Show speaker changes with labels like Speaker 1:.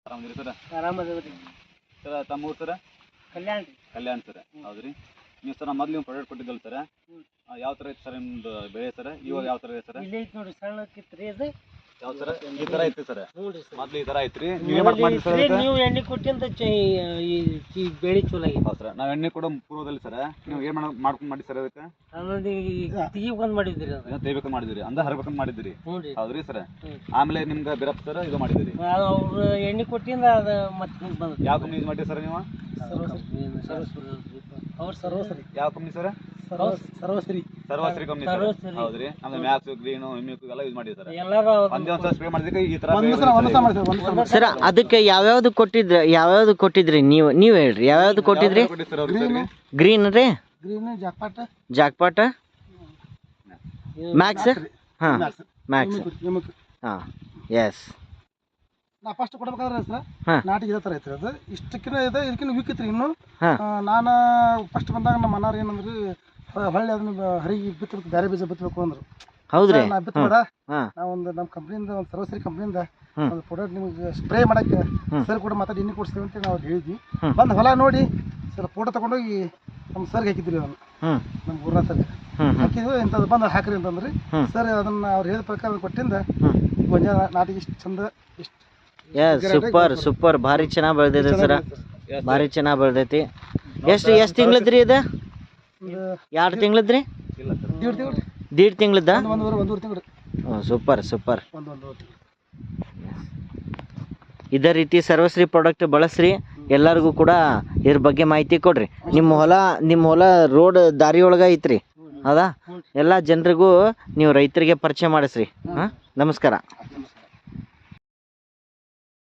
Speaker 1: ಆರಾಮದಿರಿ sir?
Speaker 2: ಆರಾಮದೇವ್ರಿ
Speaker 1: sir ತಮ್ಮ ಊರು sir?
Speaker 2: Kalyana ರೀ.
Speaker 1: ಕಲ್ಯಾಣ ಸರ್. ಹೌದ್ರಿ. ನೀವು ಸರ್ ಮೊದ್ಲು ನೀವು ಪ್ರಾಡಕ್ಟ್ ಕೊಟ್ಟಿದ್ದಲ್ಲ ಸರ್, ಯಾವ ಥರ ಐತೆ ಸರ್ ನಿಮ್ದು ಬೆಳೆ ಸರ್? ಇವಾಗ ಯಾವ ಥರ ಇದೆ ಸರ್?
Speaker 2: ಇಲ್ಲೇ ಐತಿ ನೋಡ್ರಿ, ಸಣ್ಣಕ್ಕಿತ್ರಿ ಅದು.
Speaker 1: ಯಾವ ಸರ್? ಈ ಥರ ಐತಿ ಸರ್.
Speaker 2: ಹ್ಞೂ ರೀ ಸರ್.
Speaker 1: ಮೊದ್ಲು ಈ ಥರ ಐತ್ರಿ. ನೀವೇ ಮಾಡಿ ಸರ್?
Speaker 2: ನೀವು ಎಣ್ಣೆ ಕೊಟ್ಟಿಂದ ಈ ಬೆಳೆ ಚಲೋ ಆಗೈತಿ.
Speaker 1: ಹೌದು ಸರ್. ನಾವು ಎಣ್ಣೆ ಕೊಡೋ ಪೂರ್ವದಲ್ಲಿ ಸರ್ ನೀವು ಏನು ಮಾಡ್ಕೊಂಡು ಮಾಡಿ ಸರ್ ಅದಕ್ಕೆ?
Speaker 2: ಆಮೇಲೆ ತೆಗಿಬೇಕಂತ ಮಾಡಿದ್ರಿ ಅದು.
Speaker 1: ತೆಗಿಬೇಕಂತ ಮಾಡಿದಿರಿ, ಅಂದ ಹರ್ಬೇಕಂತ ಮಾಡಿದಿರಿ.
Speaker 2: ಹ್ಞೂ ರೀ.
Speaker 1: ಹೌದ್ರಿ ಸರ್. ಆಮೇಲೆ ನಿಮ್ಗೆ ಬಿರಪ್ ಸರ್ ಇದು ಮಾಡಿದಿರಿ.
Speaker 2: ಅವ್ರು ಎಣ್ಣೆ ಕೊಟ್ಟಿಂದ ಅದು ಮತ್ತೆ ಬಂದ.
Speaker 1: ಯಾವ ಕಂಪ್ನಿ ಯೂಸ್ ಮಾಡಿರಿ ಸರ್ ನೀವು?
Speaker 2: ಅವ್ರು ಸರ್ವಶ್ರೀ.
Speaker 1: ಯಾವ company sir?
Speaker 2: Sarvashree.
Speaker 1: Sarvashree company sir. ಹೌದ್ರಿ. ನಮ್ದು ಮ್ಯಾಕ್ಸ್ ಗ್ರೀನು ಹಿಮ್ಯೂಕ್ ಎಲ್ಲ ಯೂಸ್ ಮಾಡಿರಿ ಸರ್.
Speaker 2: ಎಲ್ಲರೂ
Speaker 1: ಒಂದೇ ಒಂದ್ಸಲ ಸ್ಪ್ರೇ ಮಾಡಿದಕ್ಕೆ ಈ ಥರ
Speaker 3: ಸರ್ ಅದಕ್ಕೆ ಯಾವ್ಯಾವ್ದು ಕೊಟ್ಟಿದ್ರಿ ನೀವು ಹೇಳ್ರಿ, ಯಾವ್ಯಾವ್ದು ಕೊಟ್ಟಿದ್ರಿ? ಗ್ರೀನ್ ರೀ, ಜಾಕ್ಪಾಟ, ಮ್ಯಾಕ್ಸ್. ಹಾಂ ಮ್ಯಾಕ್ಸ್. ಹಾಂ ಎಸ್.
Speaker 4: ನಾ ಫಸ್ಟ್ ಕೊಡ್ಬೇಕಾದ್ರೆ ಸರ್
Speaker 3: ಹಾಂ
Speaker 4: ನಾಟಿಗೆ ಇದೇ ಥರ ಐತ್ರಿ. ಅದು ಇಷ್ಟಕ್ಕಿಂತ ಇದೆ, ಇದಕ್ಕಿಂತ ವೀಕ್ ಐತ್ರಿ ಇನ್ನು.
Speaker 3: ಹಾಂ
Speaker 4: ನಾನು ಫಸ್ಟ್ ಬಂದಾಗ ನಮ್ಮ ಅಣ್ಣಾರು ಏನಂದ್ರಿ, ಹೊಳ್ಳಿ ಅದನ್ನ ಹರಿಗೆ ಬಿತ್ತಬೇಕು, ಬೇರೆ ಬೀಜ ಬಿತ್ತಬೇಕು ಅಂದ್ರು.
Speaker 3: ಹೌದ್ರಿ.
Speaker 4: ನಾ ಬಿತ್ತಬೇಡ,
Speaker 3: ಹಾಂ
Speaker 4: ನಾವು ಒಂದು ನಮ್ಮ ಕಂಪ್ನಿಯಿಂದ, ಒಂದು ಸರ್ವಶ್ರೀ ಕಂಪ್ನಿಯಿಂದ
Speaker 3: ಹ್ಮ್.
Speaker 4: ಒಂದು ಪ್ರಾಡಕ್ಟ್ ನಿಮಗೆ ಸ್ಪ್ರೇ ಮಾಡಕ್ಕೆ
Speaker 3: ಹ್ಮ್.
Speaker 4: ಸರ್ ಕೂಡ ಮಾತಾಡಿ ಎಣ್ಣೆ ಕೊಡಿಸ್ತೀವಿ ಅಂತ ನಾವು ಹೇಳಿದ್ವಿ.
Speaker 3: ಹ್ಮ್.
Speaker 4: ಬಂದು ಹೊಲ ನೋಡಿ ಸರ್ ಫೋಟೋ ತೊಗೊಂಡೋಗಿ ನಮ್ಮ ಸರ್ಗೆ ಹಾಕಿದ್ರಿ. ಅದನ್ನು
Speaker 3: ಹ್ಞೂ
Speaker 4: ನಮ್ಮ ಊರಿನ ಸರ್ಗೆ
Speaker 3: ಹ್ಞೂ ಹ್ಞೂ
Speaker 4: ಹಾಕಿದ್ವಿ. ಇಂಥದ್ದು ಬಂದು ಹಾಕ್ರಿ ಅಂತಂದ್ರಿ.
Speaker 3: ಹ್ಮ್.
Speaker 4: ಸರ್ ಅದನ್ನು ಅವ್ರು ಹೇಳಿದ ಪ್ರಕಾರ ಕೊಟ್ಟಿಂದ
Speaker 3: ಹ್ಞೂ
Speaker 4: ಗೊಂಜಾಳ ನಾಟಿಗೆ ಇಷ್ಟು ಚಂದ, ಇಷ್ಟು
Speaker 3: ಎಸ್ ಸೂಪರ್ ಭಾರಿ ಚೆನ್ನಾಗಿ ಬೆಳೆದೈತೆ ಸರ್, ಭಾರಿ ಚೆನ್ನಾಗಿ ಬೆಳೆದೈತಿ. ಎಷ್ಟು ತಿಂಗಳದ್ರಿ ಇದು?
Speaker 4: ಒಂದು
Speaker 3: 2 ತಿಂಗಳದ್ರಿ?
Speaker 1: ಇಲ್ಲ ಸರ್.
Speaker 4: 1.5 ತಿಂಗಳು,
Speaker 3: 1.5 ತಿಂಗಳದ?
Speaker 4: ಒಂದೂವರೆ ತಿಂಗಳು,
Speaker 3: ಸೂಪರ್
Speaker 4: ಒಂದೂವರೆ ತಿಂಗಳು.
Speaker 3: ಇದೇ ರೀತಿ ಸರ್ವಶ್ರೀ ಪ್ರಾಡಕ್ಟ್ ಬಳಸ್ರಿ. ಎಲ್ಲರಿಗೂ ಕೂಡ ಇದ್ರ ಬಗ್ಗೆ ಮಾಹಿತಿ ಕೊಡ್ರಿ. ನಿಮ್ಮ ಹೊಲ ರೋಡ್ ದಾರಿ ಒಳಗೆ ಐತ್ರಿ, ಹೌದಾ? ಎಲ್ಲ ಜನರಿಗೂ ನೀವು ರೈತರಿಗೆ ಪರಿಚಯ ಮಾಡಿಸ್ರಿ. ಹಾಂ ನಮಸ್ಕಾರ.